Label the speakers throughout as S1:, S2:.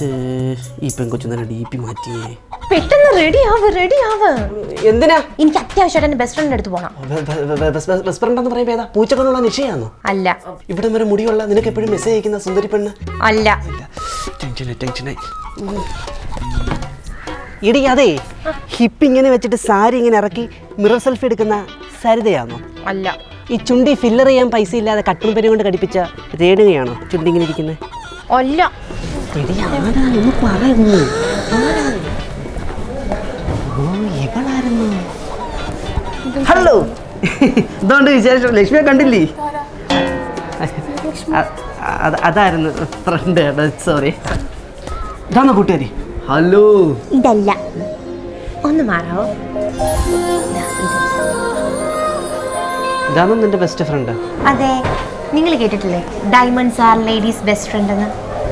S1: ഈ പെൺകൊച്ചു നല്ല DP മാറ്റിയേ.
S2: പെട്ടെന്ന് റെഡി ആവ്.
S1: എന്തിനാ?
S2: എനിക്ക് അത്യാവശ്യമായിട്ട് എന്റെ ബെസ്റ്റ് ഫ്രണ്ടിന്റെ അടുത്ത് പോകണം.
S1: ബെസ്റ്റ് ഫ്രണ്ട് എന്ന് പറയുമ്പോ ഏതാ? പൂച്ചക്കൊണ്ടുള്ള നിശ്ചയാണോ?
S2: അല്ല.
S1: ഇവിടെ വരെ മുടിയുള്ള നിനക്ക് എപ്പോഴും മെസ്സേജ് അയക്കുന്ന സുന്ദരി പെണ്ണ്?
S2: അല്ല.
S1: ടെൻഷനായി. ഇടി അതെ, ഹിപ്പ് ഇങ്ങനെ വെച്ചിട്ട് സാരി ഇങ്ങനെ ഇറക്കി മിറർ സെൽഫി എടുക്കുന്ന സരിതയാണോ?
S2: അല്ല.
S1: ഈ ചുണ്ടി ഫില്ലർ ചെയ്യാൻ പൈസ ഇല്ലാതെ കട്ടും പെരും കൊണ്ട് കടിപ്പിച്ച രേണുകയാണോ ചുണ്ടി ഇങ്ങനെ ഇരിക്കുന്നത്?
S2: അല്ല.
S1: പറയുന്നു. ഹലോ, ഇതുകൊണ്ട് വിശേഷം? ലക്ഷ്മിയെ കണ്ടില്ലേ? അതായിരുന്നു ഫ്രണ്ട്. സോറി. ഇതാണോ കൂട്ടുകാരി? ഹലോ.
S2: ഇതല്ല, ഒന്ന് മാറാവോ?
S1: ഇതാണോ നിന്റെ ബെസ്റ്റ് ഫ്രണ്ട്?
S2: അതെ. നിങ്ങൾ കേട്ടിട്ടില്ലേ diamonds are ladies best friend എന്ന്?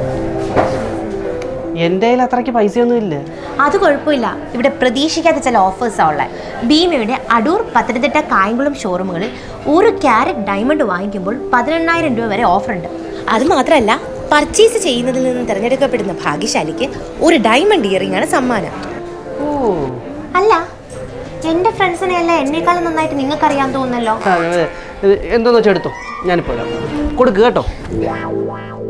S1: എൻ്റെ കയ്യിൽ അത്രയ്ക്ക് പൈസയൊന്നും ഇല്ല.
S2: അത് കുഴപ്പമില്ല. ഇവിടെ പ്രതീക്ഷിക്കാത്ത ചില ഓഫേഴ്സാണ് ഉള്ളത്. ഭീമയുടെ അടൂർ, പത്തനംതിട്ട, കായംകുളം ഷോറൂമുകളിൽ 1 ക്യാരറ്റ് ഡയമണ്ട് വാങ്ങിക്കുമ്പോൾ 18,000 രൂപ വരെ ഓഫർ ഉണ്ട്. അത് മാത്രമല്ല, പർച്ചേസ് ചെയ്യുന്നതിൽ നിന്ന് തിരഞ്ഞെടുക്കപ്പെടുന്ന ഭാഗ്യശാലിക്ക് ഒരു ഡയമണ്ട് ഇയറിംഗ് ആണ് സമ്മാനം.
S1: ഓ
S2: അല്ല, എൻ്റെ ഫ്രണ്ട്സിനെ അല്ല എന്നെക്കാളും നന്നായിട്ട് നിങ്ങൾക്കറിയാൻ തോന്നുന്നല്ലോ.
S1: എന്തോന്ന് വെച്ചാൽ എടുത്തോ, ഞാനിപ്പോൾ കൊടുക്കുക കേട്ടോ.